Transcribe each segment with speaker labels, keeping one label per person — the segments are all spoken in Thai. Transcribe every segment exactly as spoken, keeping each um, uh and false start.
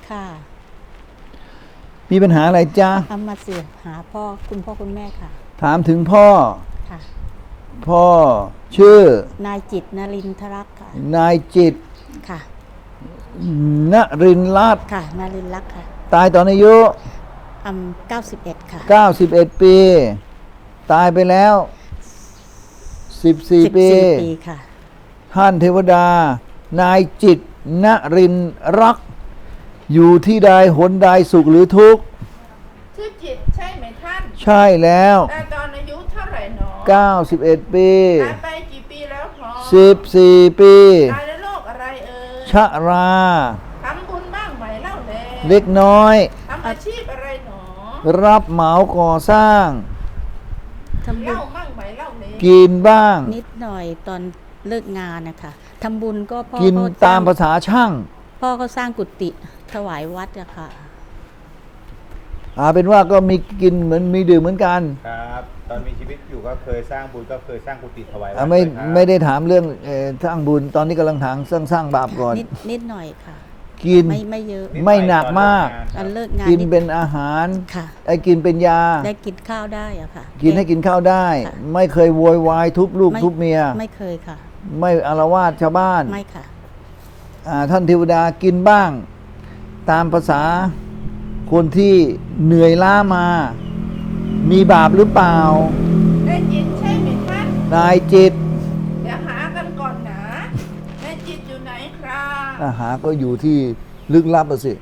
Speaker 1: ค่ะ
Speaker 2: มีปัญหาอะไรจ๊ะ
Speaker 1: เอามาเสือหาพ่อคุณพ่อคุณแม่ค่ะ
Speaker 2: ถามถึงพ่อ
Speaker 1: ค่ะ
Speaker 2: พ่อชื่อน
Speaker 1: ายจิตนรินทรักษ์ค่ะ
Speaker 2: นายจิต
Speaker 1: ค่ะ
Speaker 2: นรินทร์รัตน์
Speaker 1: ค่ะนรินทรักษ์ค่ะ
Speaker 2: ตายตอนอายุ
Speaker 1: อืมเก้าสิบเอ็ดค่ะ
Speaker 2: เก้าสิบเอ็ดปีตายไปแล้วสิบสี่ปี
Speaker 1: ปีค่ะ
Speaker 2: ท่านเทวดานายจิตนรินทร์รักษ์อยู่ที่ใดหนใดสุขหรือทุกข์
Speaker 3: ชื่อจิตใช่ไหมท่าน
Speaker 2: ใช่แล้ว
Speaker 3: ตายตอนอายุเท่าไหร่หนอ
Speaker 2: เก้าสิบเอ็ดปี
Speaker 3: ตายไปกี่ปีแล้วพอ
Speaker 2: สิบสี่ปี
Speaker 3: ตายในโรคอะไรเอ่ย
Speaker 2: ชรา
Speaker 3: ทำบุญบ้างไหมเล่าแล
Speaker 2: เล็กน้อย
Speaker 3: ทำอาชีพอะไรหนอ
Speaker 2: รับเหมาก่อสร้าง
Speaker 1: ทำบุญ
Speaker 3: เล่าบ้างไหมเล่าแล
Speaker 2: กินบ้าง
Speaker 1: นิดหน่อยตอนเลิกงานนะคะทำบุญก็พ่อ
Speaker 2: กินตามภาษาช่าง
Speaker 1: พ่อเขาสร้างกุฏิถวายวัดอะค่ะ
Speaker 2: อาเป็นว่าก็มีกินเหมือนมีดื่มเหมือนกัน
Speaker 4: ครับตอนมีชีวิตอยู่ก็เคยสร้างบุญก็เคยสร้างกุฏิถวายวัด
Speaker 2: ไม่ไม่ได้ถามเรื่องสร้างบุญตอนนี้กำลังถามสร้างสร้างบาปก่อน
Speaker 1: นิดนิดหน่อยค่ะ
Speaker 2: กิน
Speaker 1: ไม่ไม่เยอะ
Speaker 2: ไม่หนักมาก
Speaker 1: ตอนเลิกงาน
Speaker 2: กินเป็นอาหาร
Speaker 1: ค่ะ
Speaker 2: ไอ้กินเป็นยา
Speaker 1: ได้กินข้าวได้อะค่ะ
Speaker 2: กินให้กินข้าวได้ไม่เคยโวยวายทุบลูกทุบเมีย
Speaker 1: ไม่เคยค่ะ
Speaker 2: ไม่อาละวาดชาวบ้าน
Speaker 1: ไม่ค่ะ
Speaker 2: ท่านเทวดากินบ้างตามภาษาคนที่เหนื่อยล้ามามีบาปหรือเปล่า
Speaker 3: ได้จิตใช่ไหมท่าน
Speaker 2: นายจิต
Speaker 3: เดี๋ยวหากันก่อนนะได้จิตอยู่ไหนครับ
Speaker 2: อาหาก็อยู่ที่ลึกลับสิ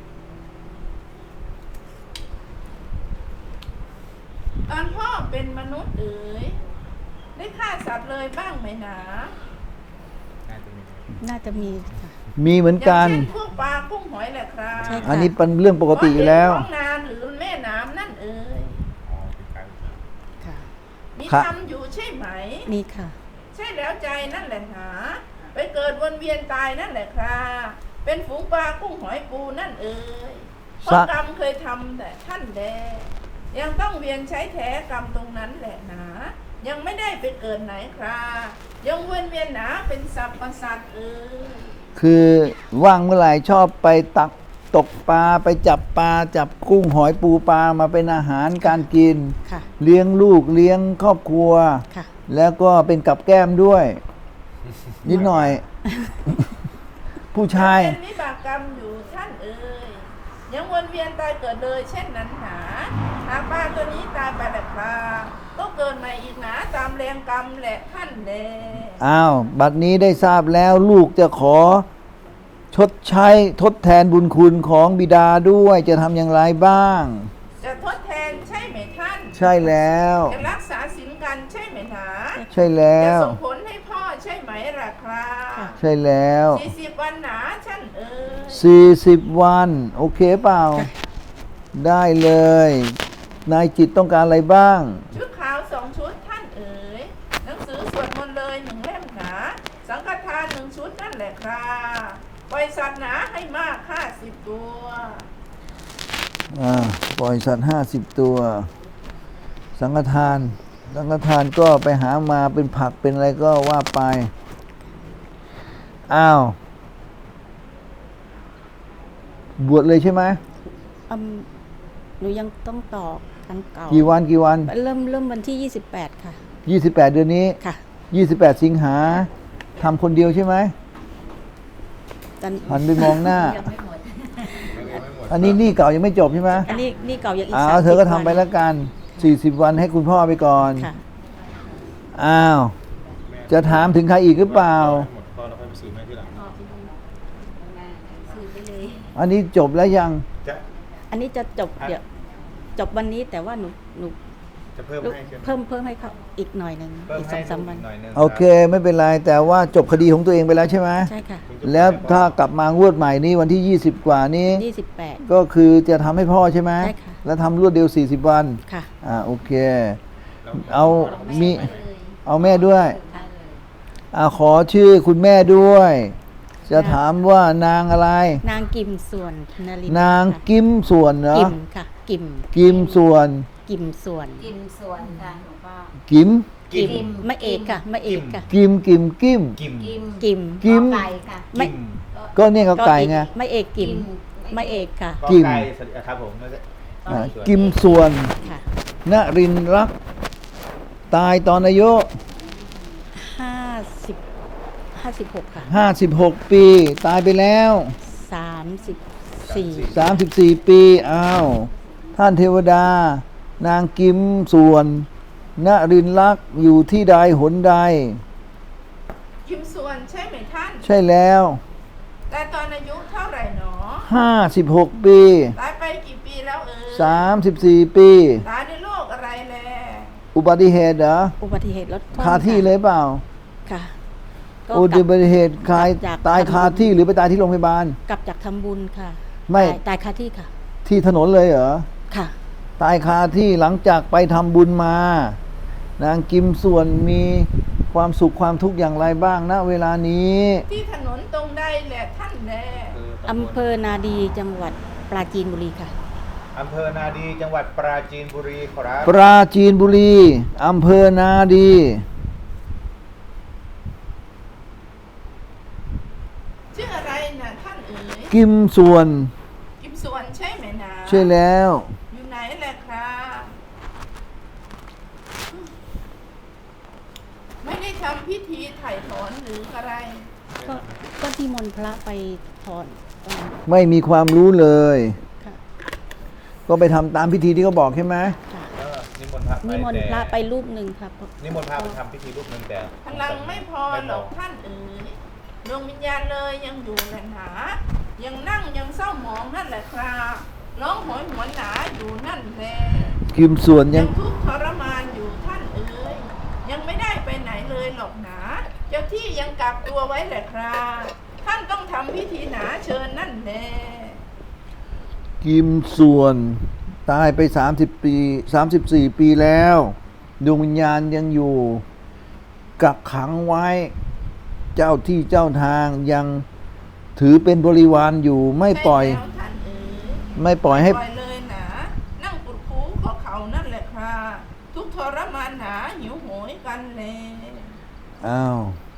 Speaker 3: ตอนพ่อเป็นมนุษย์เอ๋ยได้ฆ่าสัตว์เลยบ้างไหมหนา
Speaker 1: น่าจะมีค่ะ
Speaker 2: มีเหมือนกัน
Speaker 3: อย่างเช่นพวกปลากุ้งหอยแหละครับ
Speaker 2: อันนี้เป็นเรื่องปกติอยู่แล้ว
Speaker 3: ท้องนาหรือแม่น้ำนั่นเอ๋ย
Speaker 1: ค่ะ
Speaker 3: มีทำอยู่ใช่ไหม
Speaker 1: มีค่ะ
Speaker 3: ใช่แล้วใจนั่นแหละหาไปเกิดวนเวียนตายนั่นแหละครับเป็นฝูงปลากุ้งหอยปูนั่นเอ๋ยเพราะกรรมเคยทำแต่ท่านแดยังต้องเวียนใช้แท้กรรมตรงนั้นแหละหนายังไม่ได้ไปเกิดไหนครับยังวนเวียนหนาเป็นสัพพสัตว์เอ๋ย
Speaker 2: คือว่างเมื่อไหร่ชอบไปตักตกปลาไปจับปลาจับกุ้งหอยปูปลามาเป็นอาหารการกินเลี้ยงลูกเลี้ยงครอบครัวแล้วก็เป็นกับแก้มด้วยนิดหน่อยผู้ชาย
Speaker 3: เป็นวิบากกรรมอยู่ท่านเอ๋ยยังวนเวียนตายเกิดเลยเช่นนั้นหาหากปลาตัวนี้ตายไปแหละปลาก็เกิดใหม่อีกหนาตามแรงกรรมแหละท่านแล
Speaker 2: อ้าวบัดนี้ได้ทราบแล้วลูกจะขอชดใช้ทดแทนบุญคุณของบิดาด้วยจะทำอย่างไรบ้าง
Speaker 3: จะทดแทนใช่ไหมท่าน
Speaker 2: ใช่แล้ว
Speaker 3: จะรักษาศีลกันใช่ไหมหนา
Speaker 2: ใช่แล้ว
Speaker 3: จะส่งผลให้พ่อใช่ไหมล่ะครับ
Speaker 2: ใช่แล้ว
Speaker 3: สี่สิบวันหนาท่านเอ๋ย
Speaker 2: สี่สิบวันโอเคเปล่าได้เลยนายจิตต้องการอะไรบ้าง
Speaker 3: ชุดขาวสองชุดท่านเอ๋ยหนังสือสวดมนต์เลยหนึ่งเล่มหนาสังฆทานหนึ่งชุดนั่นแหละครับปล่อยสัตว์หนาให้มากห้าสิบตัว
Speaker 2: อ่าปล่อยสัตว์ห้าสิบตัวสังฆทานสังฆทานก็ไปหามาเป็นผักเป็นอะไรก็ว่าไปอ้าวบวชเลยใช่ไหม
Speaker 1: อืมหนูยังต้องต่อกันเก่า
Speaker 2: กี่วันกี่วัน
Speaker 1: เริ่มเริ่มวันที่ยี่สิบแปดค่ะ
Speaker 2: ยี่สิบแปดเดือนนี้
Speaker 1: ค่ะ
Speaker 2: ยี่สิบแปดสิงหาทำคนเดียวใช่ไหมหันไปมองหน้าอันนี้นี่เก่ายังไม่จบใช่ไหม
Speaker 1: อันนี้นี่เก่ายังอีก
Speaker 2: อ้าวเธอก็ทำไปแล้วกันสี่สิบวันให้คุณพ่อไปก่อนอ้าวจะถามถึงใครอีกหรือเปล่าอันนี้จบแล้วยัง
Speaker 1: อันนี้จะจบเดี๋ยวจบวันนี้แต่ว่าหนูหนู
Speaker 4: จะเพิ่มให้
Speaker 1: เพิ่มเพิ่มให้เขาอีกหน่อยนึงอีกสองสามวัน
Speaker 2: โอเคไม่เป็นไรแต่ว่าจบคดีของตัวเองไปแล้วใช่ไหม
Speaker 1: ใช่ค่ะ
Speaker 2: แล้วถ้ากลับมางวดใหม่นี้วันที่ยี่สิบกว่านี้
Speaker 1: ยี่สิบแปด
Speaker 2: ก็คือจะทำให้พ่อใช่ไหม
Speaker 1: ใช่ค่ะ
Speaker 2: แล้วทำรวดเดียวสี่สิบวัน
Speaker 1: ค่ะ
Speaker 2: อ่าโอเคเอามีเอาแม่ด้วยอ่าขอชื่อคุณแม่ด้วยจะถามว่านางอะไร
Speaker 1: นางกิมส่วนนริน
Speaker 2: นางกิมส่วนเหรอ
Speaker 1: กิมค่ะกิม
Speaker 2: กิมส่วน
Speaker 1: กิมส่วน
Speaker 5: กิมส่วนค่ะหลวงพ่อ
Speaker 2: กิม
Speaker 1: กิมไม่เอกค่ะไม่เอกค่ะ
Speaker 2: กิมกิมกิม
Speaker 1: กิม
Speaker 5: กิม
Speaker 1: กิม
Speaker 5: ไก่ค่ะ
Speaker 1: ไม่
Speaker 2: ก็เนี่ยเขาไก่ไง
Speaker 1: ไม่เอกกิม
Speaker 5: ไม่
Speaker 1: ไม่เอกค่ะ
Speaker 4: ก็
Speaker 2: กิม
Speaker 4: ไก่สลิครับผมไม่ใช่
Speaker 2: อ่ากิมส่วน
Speaker 1: ค่ะ
Speaker 2: นรินทร์รัก ตายตอนอายุ
Speaker 1: ห้าสิบห้าสิบหกค่ะ
Speaker 2: ห้าสิบหก ปี ตายไปแล้ว
Speaker 1: สามสิบสี่
Speaker 2: สามสิบสี่ ปี อ้าว ท่านเทวดา นางกิมส่วน นรินทร์รักอยู่ที่ใดหนใด
Speaker 3: คิมส่วนใช่ไหมท่าน
Speaker 2: ใช่แล้ว
Speaker 3: แต่ตอนอายุเท่าไหร่หนอ
Speaker 2: ห้าสิบหก ปี
Speaker 3: ตายไปกี่ปีแล้วเอ่ย
Speaker 2: สามสิบสี่ ปี
Speaker 3: ตายในโรคอะไรแล
Speaker 2: อุบัติเหตุเหรอ
Speaker 1: อุบัติเหตุรถชน
Speaker 2: คาที่เลยเปล่า
Speaker 1: ค่ะก็
Speaker 2: อุ
Speaker 1: กลับ
Speaker 2: บัติเหตุคาย
Speaker 1: จาก
Speaker 2: ตายคาที่หรือไปตายที่โรงพยาบาล
Speaker 1: กลับจากทำบุญค่ะ
Speaker 2: ไม่
Speaker 1: ตายตายคาที่ค่ะ
Speaker 2: ที่ถนนเลยเหรอ
Speaker 1: ค่ะ
Speaker 2: ตายคาที่หลังจากไปทำบุญมา นางกิมส่วนมีความสุขความทุกข์อย่างไรบ้างณเวลานี้
Speaker 3: ที่ถนนตรงใดแหละท่านแล
Speaker 1: อำเภอนาดีจังหวัดปราจีนบุรีค่ะ
Speaker 4: อำเภอนาดีจังหวัดปราจีนบุรีครับ
Speaker 2: ปราจีนบุรีอำเภอนาดี
Speaker 3: ชื่ออะไรนะท่านเอ๋ย
Speaker 2: กิมส่วน
Speaker 3: กิมส่วนใช่ไหมนะ
Speaker 2: ใช่แล้ว
Speaker 3: อยู่ไหนแหละครับไม่ได้ทำพิธีไถ่ถอนหรืออะไร
Speaker 1: ก็ก็ที่มนต์พระไปถอนตอน
Speaker 2: ไม่มีความรู้เลย
Speaker 1: ค่ะ
Speaker 2: ก็ไปทำตามพิธีที่เขาบอกใช่ไหม
Speaker 1: ค่ะ
Speaker 4: เออนิมนต์พระไป
Speaker 1: นิมนต์พระไปรูปหนึ่งครับ
Speaker 4: นิมนต์พระไปทำพิธีรูปหนึ่งแต่
Speaker 3: พลังไม่พอหรอกท่านเอ๋ยดวงวิญญาณเลยยังอยู่แหละหนายังนั่งยังเศร้าหมองนั่นแหละครับร้องโหยหวนหนาอยู่นั่นแหละ
Speaker 2: กิมส่วนยั
Speaker 3: ยัง งทุกข์ทรมานอยู่ท่านเอ๋ยยังไม่ได้ไปไหนเลยหรอกหนาเจ้าที่ยังกักตัวไว้แหละครับท่านต้องทำพิธีหนาเชิญนั่นแหละ
Speaker 2: กิมส่วนตายไปสามสิบปีสามสิบสี่ ปีแล้วดวงวิญญาณยังอยู่กักขังไว้ เจ้าที่เจ้าทางยังถือเป็นบริวารอยู่ไม่ปล่อย
Speaker 3: ใช่แล้วท่านเอ๋ย
Speaker 2: ไม่ปล่อยให้
Speaker 3: ปล่อยเลยหนานั่งกุดคูก็เขานั่นแหละครับทุกข์ทรมานหนาหิวโหยกันเลย
Speaker 2: อ้าว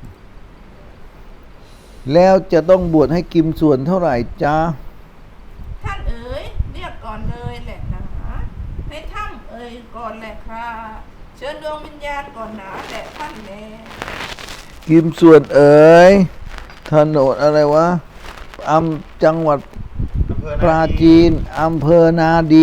Speaker 2: แล้วจะต้องบวชให้กิมส่วนเท่าไหร่จ๊ะ
Speaker 3: ท่านเอ๋ยเรียกก่อนเลยแหละหนาให้ถ้ำเอ๋ยก่อนแหละครับเชิญดวงวิญญาณก่อนหนาแหละท่านแล
Speaker 2: กิมส่วนเอ๋ยถนนอะไรวะอำจังหวัด
Speaker 4: อำเภอ
Speaker 2: ปราจีนอำเภอนาดี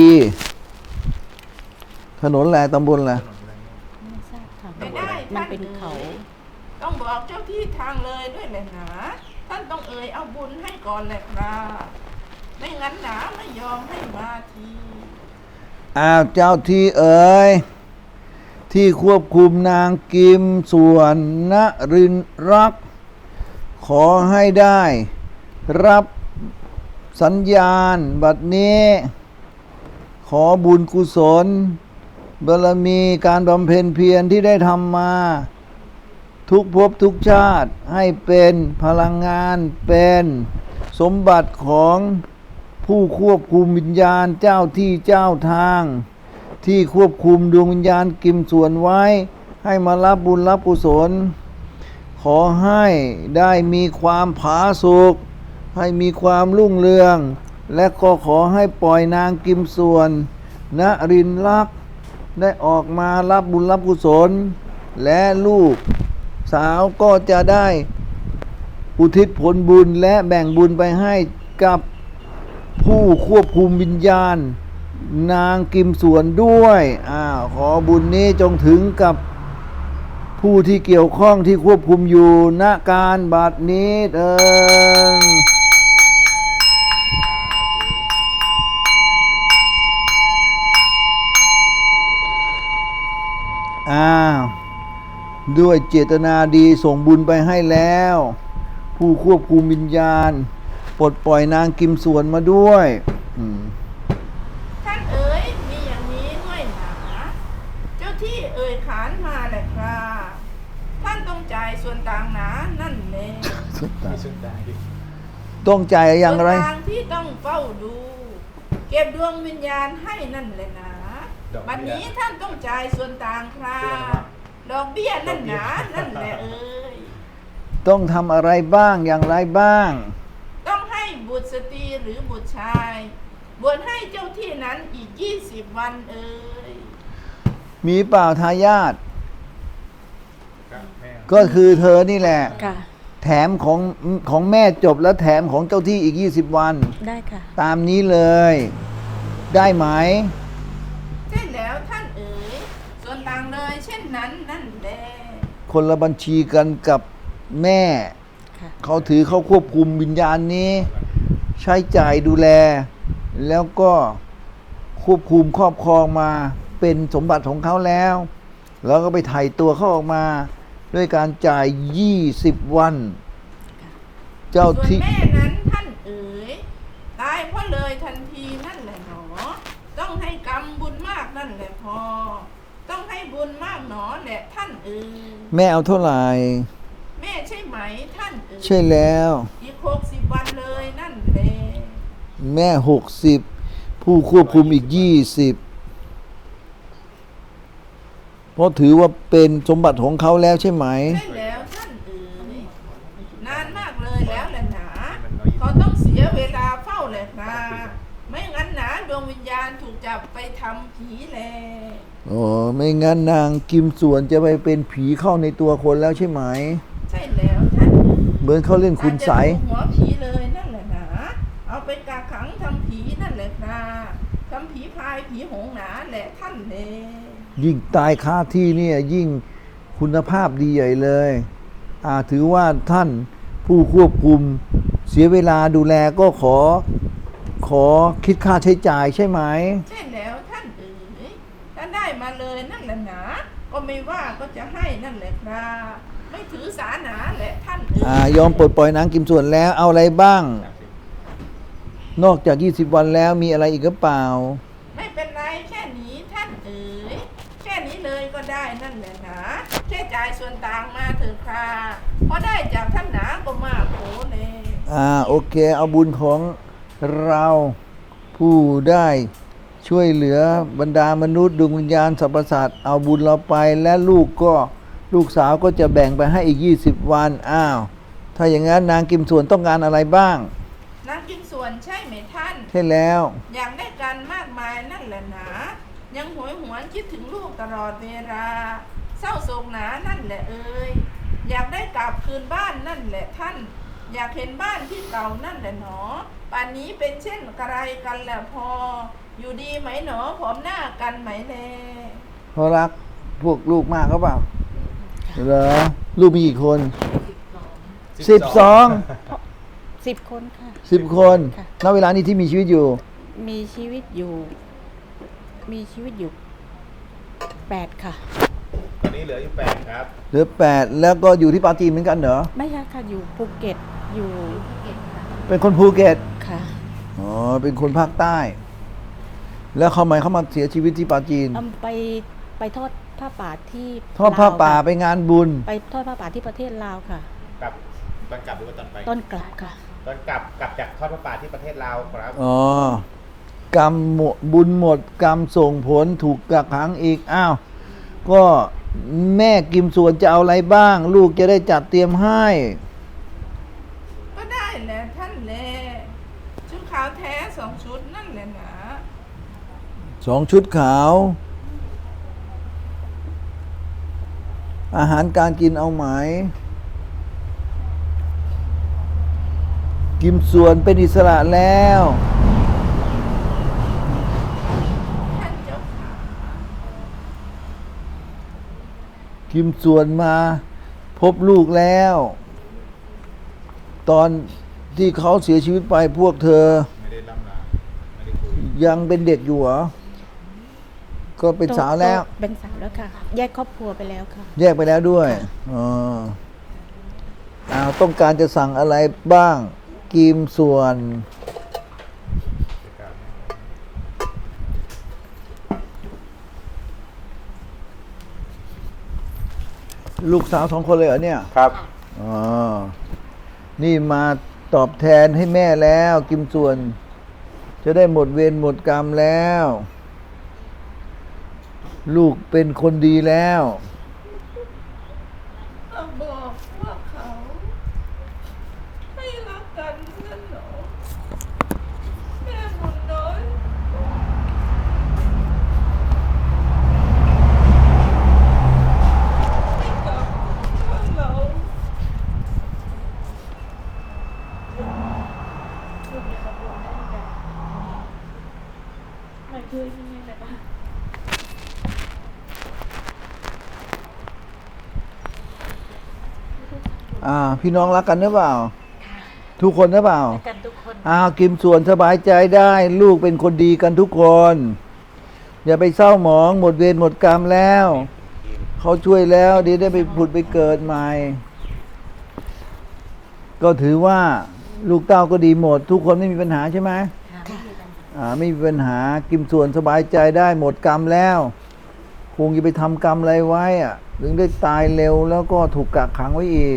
Speaker 2: ถนนแหละตำบลแหละ
Speaker 1: ไม่ทราบค่ะ
Speaker 3: ไม่ได้
Speaker 1: มัน
Speaker 3: ท่าน
Speaker 1: เป็น
Speaker 3: อ๋ย
Speaker 1: เขา
Speaker 3: ต้องบอกเจ้าที่ทางเลยด้วยแหละหนาท่านต้องเอ่ยเอาบุญให้ก่อนแหละครับไม่งั้นหนาไม่ยอมให้มาที
Speaker 2: อ้าวเจ้าที่เอ๋ยที่ควบคุมนางกิมส่วนนรินทร์รัก ขอให้ได้ รับสัญญาณบัดนี้ ขอบุญกุศลบารมีการบำเพ็ญเพียรที่ได้ทำมา ทุกภพทุกชาติให้เป็นพลังงานเป็นสมบัติของผู้ควบคุมวิญญาณเจ้าที่เจ้าทาง ที่ควบคุมดวงวิญญาณกิมส่วนไว้ ให้มารับบุญรับกุศล ขอให้ได้มีความผาสุกให้มีความรุ่งเรือง และก็ขอให้ปล่อยนางกิมส่วนนรินทร์รัก ได้ออกมารับบุญรับกุศล และลูกสาวก็จะได้อุทิศผลบุญและแบ่งบุญไปให้กับผู้ควบคุมวิญญาณ นางกิมส่วนด้วยอ้าวขอบุญนี้จงถึงกับผู้ที่เกี่ยวข้องที่ควบคุมอยู่ณการบัดนี้เถิดอ้าวด้วยเจตนาดีส่งบุญไปให้แล้ว ผู้ควบคุมวิญญาณปลดปล่อยนางกิมส่วนมาด้วยอืม
Speaker 3: ท่านเอ๋ยมีอย่างนี้ด้วยหนาเจ้าที่เอ่ยขานมาแหละครับท่านต้องจ่ายส่วนต่างหนานั่นเลย
Speaker 4: มีสุดได้
Speaker 2: ต้องจ่ายอย่างไร
Speaker 3: ส่วนต่างที่ต้องเฝ้าดู เก็บดวงวิญญาณให้นั่นเลยนะ
Speaker 4: ดอกเบี้ย
Speaker 3: บัดนี้ท่านต้องจ่ายส่วนต่างครับดอกเบี้ยนั่นหนานั่นแหละเอ้ย
Speaker 2: ต้องทำอะไรบ้างอย่างไรบ้าง
Speaker 3: ต้องให้บุตรตรสตรีหรือบุตรชายบวชให้เจ้าที่นั้นอีกยี่สิบวันเอ่ย
Speaker 2: มีเปล่าทายาท
Speaker 4: ครับแม่
Speaker 2: ก็คือเธอนี่แหละ
Speaker 1: ค่ะ
Speaker 2: แถมของของแม่จบแล้วแถมของเจ้าที่อีกยี่สิบวัน
Speaker 1: ได้ค่ะ
Speaker 2: ตามนี้เลย ได้ไหม
Speaker 3: ใช่แล้วท่านเอ๋ยส่วนต่างเลยเช่นนั้นนั่นแหละ
Speaker 2: คนละบัญชีกันกับแม่
Speaker 1: ค่ะ
Speaker 2: เขาถือเขาควบคุมวิญญาณนี้ ใช้จ่ายดูแล แล้วก็ควบคุมครอบครองมาเป็นสมบัติของเขาแล้ว แล้วก็ไปไถ่ตัวเขาออกมา ด้วยการจ่ายยี่สิบวัน เจ้า
Speaker 3: ส่วน
Speaker 2: ที่
Speaker 3: แม่นั้นท่านเอ๋ยตายเพราะเลยทันทีนั่นแหละหนอ ต้องให้กรรมบุญมากนั่นแหละพอ ต้องให้บุญมากหนอแหละท่านเอ๋ย
Speaker 2: แม่เอาเท่าไหร่
Speaker 3: แม่ใช่ไหมท่านเอ๋ย
Speaker 2: ใช่แล้ว
Speaker 3: อีกหกสิบวันเลยนั่นแหละ
Speaker 2: แม่หกสิบผู้ควบคุมอีกยี่สิบเพราะถือว่าเป็นสมบัติของเขาแล้วใช่ไหม
Speaker 3: ใช่แล้วท่านเอ๋ยนานมากเลยแล้วแหละหนาเขาต้องเสียเวลาเฝ้าแหละนะไม่งั้นหนาดวงวิญญาณถูกจับไปทำผีแล
Speaker 2: อ๋อ ไม่งั้นนางกิมส่วนจะไปเป็นผีเข้าในตัวคนแล้วใช่ไหม
Speaker 3: ใช่แล้วท่านเอ๋ย
Speaker 2: เหมือนเขาเล่นคุณใสย
Speaker 3: อาจจะถูกหัวผีเลยนั่นแหละนะเอาไปกักขังทำผีนั่นแหละนะทำผีพายผีหงหนาแหละท่านเลย
Speaker 2: ยิ่งตายคาที่เนี่ยยิ่งคุณภาพดีใหญ่เลยอ่าถือว่าท่านผู้ควบคุมเสียเวลาดูแลก็ขอ ขอคิดค่าใช้จ่ายใช่ไหม
Speaker 3: ใช่แล้วท่านเอ๋ยถ้าได้มาเลยนั่นแหละนะก็ไม่ว่าก็จะให้นั่นแหละครับไม่ถือสาหนาแหละท่านเอ๋
Speaker 2: อ่าย ยอมปลดปล่อยนางกิมส่วนแล้วเอาอะไรบ้าง นอกจากยี่สิบวันแล้วมีอะไรอีกหรือเปล่า
Speaker 3: ไม่เป็นไรแค่นี้ท่านเอ๋ยแค่นี้เลยก็ได้นั่นแหละนะแค่จ่ายส่วนต่างมาเถอะค่ะเพราะได้จากท่านหนาก็มากโขเลย
Speaker 2: อ่าโอเค เอาบุญของเราผู้ได้ช่วยเหลือบรรดามนุษย์ดวงวิญญาณสรรพสัตว์เอาบุญเราไปและลูกก็ลูกสาวก็จะแบ่งไปให้อีกยี่สิบวันอ้าวถ้าอย่างนั้นนางกิมส่วนต้องการอะไรบ้าง
Speaker 3: นักกินส่วนใช่ไหมท่าน
Speaker 2: ใช่แล้ว
Speaker 3: อยากได้กันมากมายนั่นแหละนะยังหวยหวนคิดถึงลูกตลอดเวลาเศร้าโศกหนานั่นแหละเอ่ยอยากได้กลับคืนบ้านนั่นแหละท่าน อยากเห็นบ้านที่เก่านั่นแหละหนอป่านนี้เป็นเช่นไรกันแหละพอ อยู่ดีไหมหนอผอมหน้ากันไหมแล
Speaker 2: เขารักพวกลูกมากเขาเปล่าเหรอลูกมีกี่คนสิบสอง
Speaker 1: สิบคนค่ะ
Speaker 2: สิบคน
Speaker 1: ค่ะ
Speaker 2: ณเวลานี้ที่มีชีวิตอยู่
Speaker 1: มีชีวิตอยู่ มีชีวิตอยู่แปดค่ะ
Speaker 4: ตอนนี้เหลืออยู่แปดครับ
Speaker 2: เหลือแปดแล้วก็อยู่ที่ปาจีนเหมือนกันเหรอ
Speaker 1: ไม่ใช่ค่ะ อยู่ภูเก็ต อยู่
Speaker 2: เป็นคนภูเก็ต
Speaker 1: ค่ะ
Speaker 2: อ๋อ เป็นคนภาคใต้ แล้วเขาหมายเขามาเสียชีวิตที่ปาจีน
Speaker 1: เอาไปไปทอดผ้าป่าที่
Speaker 2: ทอดผ้า
Speaker 1: ลว
Speaker 2: ป่า
Speaker 1: ค่ะ
Speaker 2: ไปงานบุญ
Speaker 1: ไปทอดผ้าป่าที่ประเทศลาวค่ะ
Speaker 4: กลับตอนกลับหรือว่าตอนไป
Speaker 1: ต้นกลับค่ะ
Speaker 4: ตอนกลับกลับจากทอดพระป่าที่ประเทศลาวครับ
Speaker 2: อ๋อ กรรมหมดบุญหมด กรรมส่งผลถูกกักขังอีก อ้าว ก็แม่กิมส่วนจะเอาอะไรบ้าง ลูกจะได้จัดเตรียมให้
Speaker 3: ก็ได้แหละท่านแลชุดขาวแท้สองชุดนั่นแหละนะ
Speaker 2: สองชุดขาว อาหารการกินเอาไหม กิมส่วนเป็นอิสระแล้ว
Speaker 3: ท่านเจ้าขา
Speaker 2: กิมส่วนมาพบลูกแล้ว ตอนที่เขาเสียชีวิตไปพวกเธอ
Speaker 4: ไม่ได้ล่ำลาไม่ได้คุย
Speaker 2: ยังเป็นเด็กอยู่เหรอ ก็เป็นสาวแล้ว
Speaker 1: โตเป็นสาวแล้วค่ะ แยกครอบครัวไปแล้วค่ะ
Speaker 2: แยกไปแล้วด้วยอ๋ออ้าวต้องการจะสั่งอะไรบ้าง กิมส่วน ลูกสาวสองคนเลยเหรอเนี่ย
Speaker 4: ครับ
Speaker 2: อ๋อ นี่มาตอบแทนให้แม่แล้ว กิมส่วน จะได้หมดเวรหมดกรรมแล้ว ลูกเป็นคนดีแล้ว
Speaker 3: เราบอกว่าเขาไม่รักกันนั่นหรอ
Speaker 1: ด้วยนี่นะคะ
Speaker 2: อ่า พี่น้องรักกันหรือเปล่า ทุกคนหรือเปล่า
Speaker 1: กันทุกคน
Speaker 2: อ้าวกิมส่วนสบายใจได้ ลูกเป็นคนดีกันทุกคน อย่าไปเศร้าหมองหมดเวรหมดกรรมแล้ว เขาช่วยแล้วเดี๋ยวได้ไปผุดไปเกิดใหม่ ก็ถือว่าลูกเต้าก็ดีหมด ทุกคนไม่มีปัญหาใช่ไหมอ่าไม่มีปัญหากิมส่วนสบายใจได้หมดกรรมแล้วคงจะไปทำกรรมอะไรไว้อะถึงได้ตายเร็วแล้วก็ถูกกักขังไว้อีก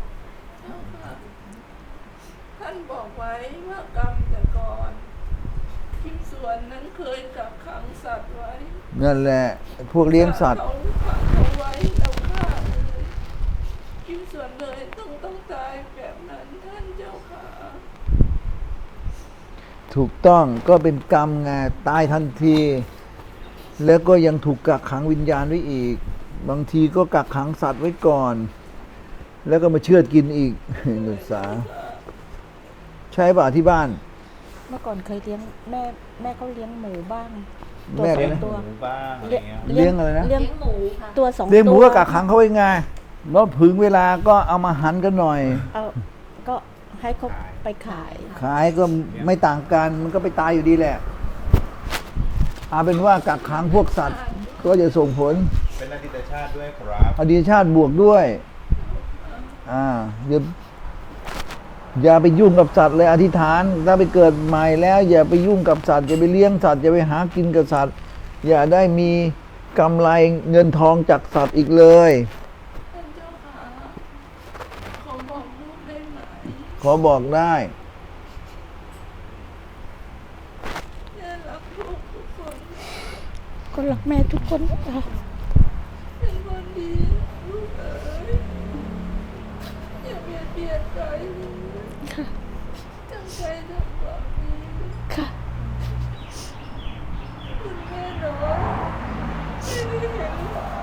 Speaker 3: ท่านบอกไว้ว่ากรรมแต่ก่อนทิมส่วนนั้นเคยกักขังสัตว์ไว้
Speaker 2: นั่นแหละพวกเลี้ยงสัตว์
Speaker 3: เขาขังเขาไว้แล้วฆ่าเลยทิมส่วนเลยต้องต้องตายแบบนั้นท่านเจ้าค่ะ
Speaker 2: ถูกต้องก็เป็นกรรมไงตายทันที แล้วก็ยังถูกกักขังวิญญาณไว้อีก บางทีก็กักขังสัตว์ไว้ก่อน แล้วก็มาเชือดกินอีก นุษาใช่ป่ะที่บ้าน
Speaker 1: เมื่อก่อนเคยเลี้ยงแม่แม่เขาเลี้ยงหมูบ้าง
Speaker 2: แม่
Speaker 1: ส
Speaker 2: เล
Speaker 1: อย ง
Speaker 2: นะ
Speaker 1: ตัว
Speaker 4: หมูบ้างอะไรเงี้ย
Speaker 2: เลี้ยงอะไรนะ
Speaker 1: เลี้ยงหมูค่ะตัวสองตัว
Speaker 2: เลี้ยงหมูก็กักขังเขาไว้ไงแล้วถึงเวลาก็เอามาหันกันหน่อย
Speaker 1: เอาก็ให้เขาไปขาย
Speaker 2: ขายก็ไม่ต่างกันมันก็ไปตายอยู่ดีแหละเอาเป็นว่ากักขังพวกสัตว์ ก็จะส่งผล
Speaker 4: เป็นอดีตชาติด้วยครับ
Speaker 2: อดีตชาติบวกด้วย อ่าอย่าอย่าไปยุ่งกับสัตว์เลยอธิษฐานถ้าไปเกิดใหม่แล้ว อย่าไปยุ่งกับสัตว์อย่าไปเลี้ยงสัตว์อย่าไปหากินกับสัตว์ อย่าได้มีกำไรเงินทองจากสัตว์อีกเลย
Speaker 3: ท่านเจ้าค่ะขอบอกลูกได้ไหม
Speaker 2: ขอบอกได้
Speaker 3: แม่รักลูกทุกคน
Speaker 1: ก็รักแม่ทุกคนค่ะ
Speaker 3: เป็นคนดีลูกเอ๋ยอย่าเบียดเบียนใครเลย
Speaker 1: ค่ะ
Speaker 3: ตั้งใจทำความดี
Speaker 1: ค่ะ
Speaker 3: คุณแม่น้อยไม่ได้เห็นหรอก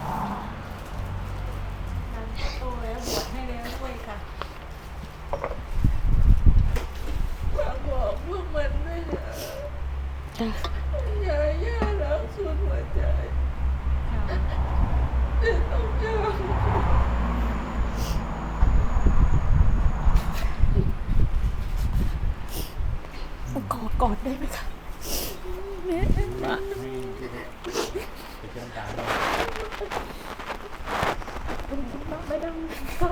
Speaker 1: โตแล้วบวชให้แล้วด้วยค่ะ
Speaker 3: ฝากบอกพวกมันด้วยนะ
Speaker 1: จ้ะ
Speaker 3: อย่าย่ารักสุดหัวใจแต่ต้องยอม
Speaker 1: ขอกอดได้ไหมคะแม่
Speaker 4: ให้ไปเชื่อมตาด้วย
Speaker 1: ไม่ได้ค่ะ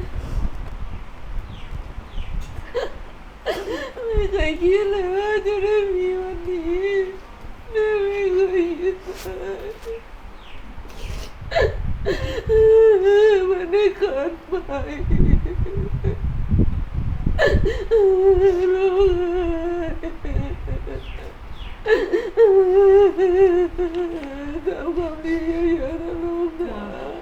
Speaker 3: ไม่เคยคิดเลยว่าจะได้มีวันนี้แม่ไม่เคยคิดเลยมันได้เกินไปลูกทำความดีเยอะๆนะลูกนะ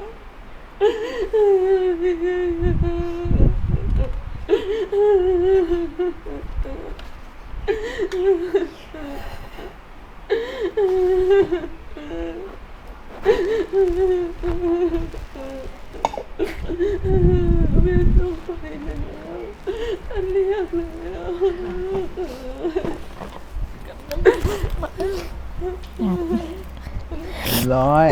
Speaker 3: ไม่ต้องไปแล้วท่านเรียกแล้ว
Speaker 2: ร้อย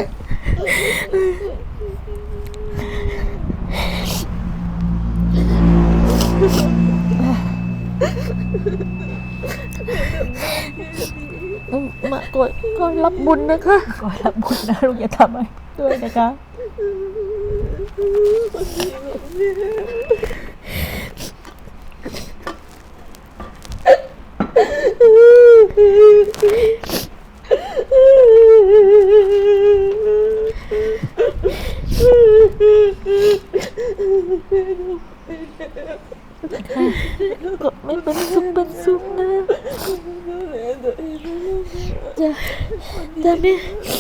Speaker 1: มาก่อนก่อนรับบุญนะคะก่อนรับบุญนะลูกอย่าทำอะไรด้วยนะคะก็ไม่เป็นสุขเป็นสุขนะจะจะไม่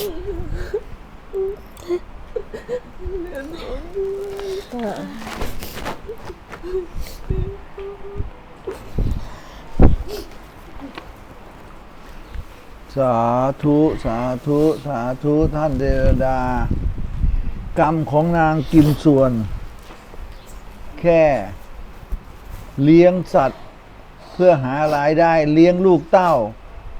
Speaker 2: สาธุสาธุสาธุท่านเทวดา กรรมของนางกิมส่วน แค่เลี้ยงสัตว์ เพื่อหารายได้เลี้ยงลูกเต้า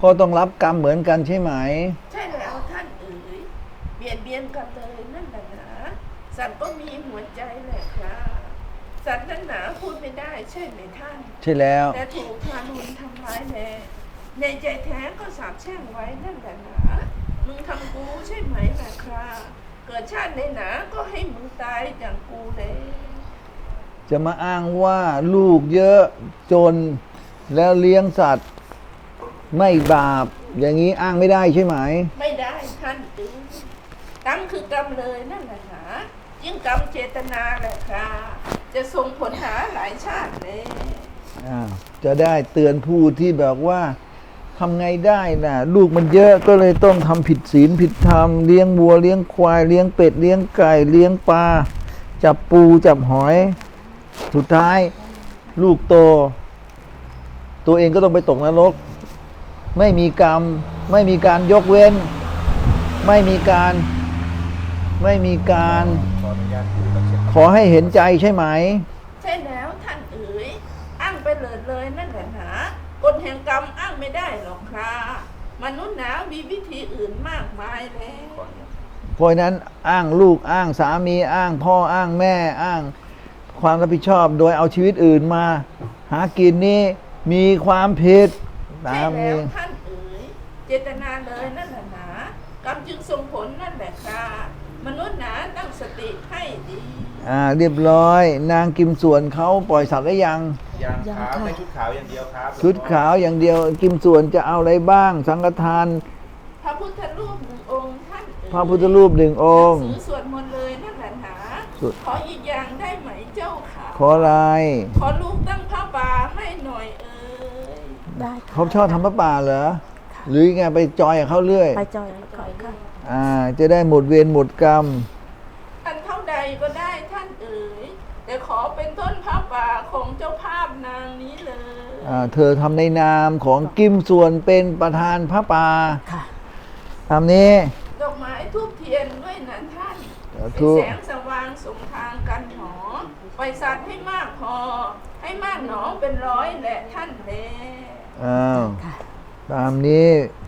Speaker 2: ก็ต้องรับกรรมเหมือนกันใช่ไหม
Speaker 3: ใช่แล้วท่านเอ๋ยเบียดเบียนกันเลยนั่นแหละหนาสัตว์ก็มีหัวใจแหละครับสัตว์นั่นหนาพูดไม่ได้ใช่ไหมท่าน
Speaker 2: ใช่แล้ว
Speaker 3: แต่ถูกทารุณทำร้ายแน่ในใจแท้ก็สาบแช่งไว้นั่นแหละหนามึงทำกูใช่ไหมล่ะครับเกิดชาติในหนาก็ให้มึงตายอย่างกูเลย
Speaker 2: จะมาอ้างว่าลูกเยอะจนแล้วเลี้ยงสัตว์ไม่บาป อย่างนี้อ้างไม่ได้ใช่ไหม
Speaker 3: ไม่ได้ท่านเอ๋ยกรรมคือกรรมเลยนั่นแหละหนายิ่งกรรมเจตนาแหละครับจะส่งผลหาหลายชาติเลย
Speaker 2: อ้าวจะได้เตือนผู้ที่แบบว่าทำไงได้น่ะ ลูกมันเยอะก็เลยต้องทำผิดศีลผิดธรรมเลี้ยงวัวเลี้ยงควายเลี้ยงเป็ดเลี้ยงไก่เลี้ยงปลาจับปูจับหอย สุดท้ายลูกโต ตัวเองก็ต้องไปตกนรก ไม่มีกรรม ไม่มีการยกเว้น ไม่มีการไม่มีการ
Speaker 4: ขออนุญาตปู่กับเช็ด
Speaker 2: ขอให้เห็นใจใช่ไหม
Speaker 3: ใช่แล้วท่านเอ๋ยอ้างไปเลยเลยนั่นแหละหนากฎแห่งกรรมอ้างไม่ได้หรอกครับมนุษย์หนามีวิธีอื่นมากมายแล้ว
Speaker 4: ขออนุญาต
Speaker 2: เพราะฉะนั้นอ้างลูกอ้างสามีอ้างพ่ออ้างแม่อ้างความรับผิดชอบโดยเอาชีวิตอื่นมา หากินนี่มีความผิด
Speaker 3: ใช่
Speaker 2: ตาม
Speaker 3: แล้
Speaker 2: นี้
Speaker 3: วท่านเอ๋ยเจตนาเลยนั่นแหละหนากรรมจึงส่งผลนั่นแหละครับมนุษย์หนาตั้งสติให้ดี
Speaker 2: อ่าเรียบร้อย นางกิมส่วนเขาปล่อยสัตว์ได้ยัง
Speaker 4: ยัง
Speaker 1: ยัง
Speaker 4: ครับ
Speaker 1: ค่ะ
Speaker 4: ได้ชุดขาวอย่างเดียวครับ
Speaker 2: ชุดขาวอย่างเดียวกิมส่วนจะเอาอะไรบ้าง สังฆทาน
Speaker 3: พระพุทธรูปหนึ่งองค์ท่านเอ๋ย
Speaker 2: พระพุทธรูปหนึ่งองค์
Speaker 3: หนังสือสวดมนต์เลยนั่นแหละหนา
Speaker 2: สวด
Speaker 3: ขออีกอย่างได้ไหมเจ้าค่ะ
Speaker 2: ขออะไร
Speaker 3: ขอลูกตั้งผ้าป่าให้หน่อยเอ่ย
Speaker 1: ได้ค่ะ
Speaker 2: เขาชอบทำพระป่าเหรอ หรือไงไปจอยกับเขาเรื่อย
Speaker 1: ไปจอยก่อนค่ะ
Speaker 2: อ่า จะได้หมดเวรหมดกรรม
Speaker 3: อันเท่าใดก็ได้ท่านเอ๋ยแต่ขอเป็นต้นผ้าป่าของเจ้าภาพนางนี้เลย
Speaker 2: อ่าเธอทำในนามของกิมส่วนเป็นประธานพระป่า
Speaker 1: ค่ะ
Speaker 2: ตามนี้
Speaker 3: ดอกไม้ทูบเทียนด้วยนะท่าน
Speaker 2: สา
Speaker 3: เป็น
Speaker 2: ธุ
Speaker 3: แสงสว่างสมทางกันหนอปล่อยสัตว์ให้มากพอ ให้มากหนอเป็นร้อยแหละท่านแล
Speaker 2: อ้าว
Speaker 1: ค่ะ
Speaker 2: ตามนี้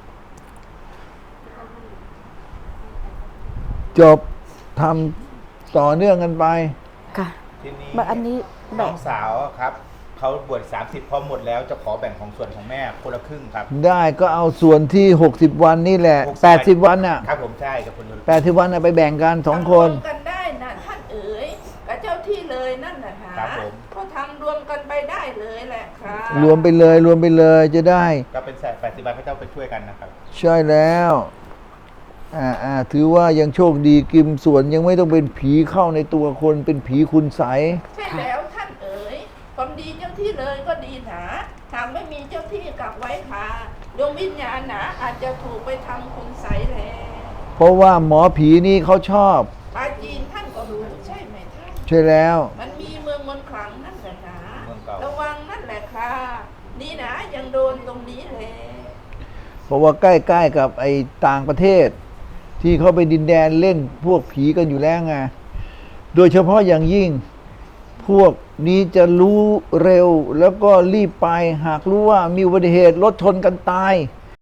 Speaker 2: จบทำต่อเนื่องกันไป
Speaker 1: ค่ะ
Speaker 4: ทีนี้
Speaker 1: แบบอันนี้แบ่
Speaker 4: น้อง งสาวอะครับเขาบวชสามสิบพอหมดแล้วจะขอแบ่งของส่วนของแม่คนละครึ่งครับ
Speaker 2: ได้ก็เอาส่วนที่ หกสิบ วันนี่แหละ
Speaker 4: หกสิบ
Speaker 2: แปดสิบ วันน่ะ
Speaker 4: ครับผมใช่กับคน
Speaker 2: แปดสิบ วันน่ะไปแบ่งกันสองคน
Speaker 3: ทำรวมกันได้นะท่านเอ๋ยกับเจ้าที่เลยนั่นแหละนะครับ
Speaker 4: ผม
Speaker 3: ก็ทำรวมกันไปได้เลยแหละครับ
Speaker 2: รวมไปเลย รวมไปเลยจะได้
Speaker 4: ก็เป็นแปดสิบใบพระเจ้าไปช่วยกันนะครับ
Speaker 2: ใช่แล้ว อ่าอ่าถือว่ายังโชคดีกิมส่วนยังไม่ต้องเป็นผีเข้าในตัวคนเป็นผีคุณใสย
Speaker 3: ใช่แล้วท่านเอ๋ยความดีเจ้าที่เลยก็ดีหนาหากไม่มีเจ้าที่กลับไว้ค่ะดวงวิญญาณหนาอาจจะถูกไปทำคุณใสแล
Speaker 2: เพราะว่าหมอผีนี่เขาชอบ
Speaker 3: ปาจีนท่านก็รู้ใช่ไหมท่าน
Speaker 2: ใช่แล้ว
Speaker 3: มันมีเมืองมนต์ขลังนั่นแหละหนา
Speaker 4: เมืองเก่า
Speaker 3: ระวังนั่นแหละค่ะนี่นะยังโดนตรงนี้เลย
Speaker 2: เพราะว่าใกล้ๆกับไอ้ต่างประเทศ ที่เขาไปดินแดนเล่นพวกผีกันอยู่แล้วไง โดยเฉพาะอย่างยิ่ง พวกนี้จะรู้เร็วแล้วก็รีบไป หากรู้ว่ามีอุบัติเหตุรถชนกันตาย
Speaker 3: ใ